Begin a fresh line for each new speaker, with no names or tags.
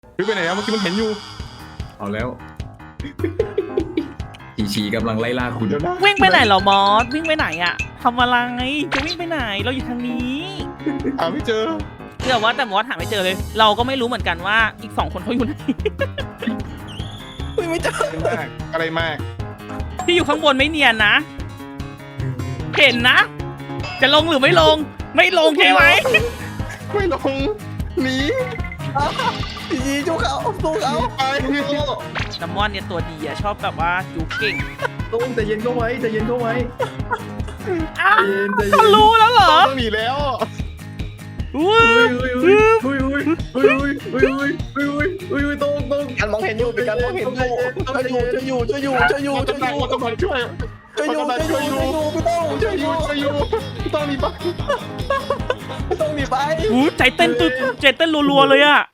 พี่ไปไหนอะเมื่อกี้มันเห็นอยู่
เอาแล้วชีกำลังไล่ล่าคุณ
เดี๋ยวนะ
วิ่งไปไหนเหรอมอสวิ่งไปไหนอะทำอะไรจะวิ่งไปไหนเราอยู่ทางนี้
หาไม่เจอ
เชื่อว่าแต่มอสหาไม่เจอเลย เราก็ไม่รู้เหมือนกันว่าอีก2 คนเขาอยู่ไหน
ไม่เจอ
อะไรมาก
ที่อยู่ข้างบนไม่เนียนนะ เห็นนะ จะลงหรือไม่ลง ไม่ลงใช่ไหม
ไม่ลงหนี
ยีจูเขาตู้เขา
ไป
น้ำมอนเนี่ยตัวดีอะชอบแบบว่าจูเก่ง
ตุ้มใจเย็นเข้าไว้ใจเย็นเข้าไว้
อ้าว
ใจเย็น
เขารู้แล้วเหรอ
ต้องหนีแล้ว
อู้
อุ้ยตุ้ม
การมองเห็นอยู่เป็นการมองเห็นอยู่ช่วยอยู่
มันกำลังช่วยพี่ต้องหนีไป
ต้องมีไป
หูใจเต้นรัวๆเลยอะ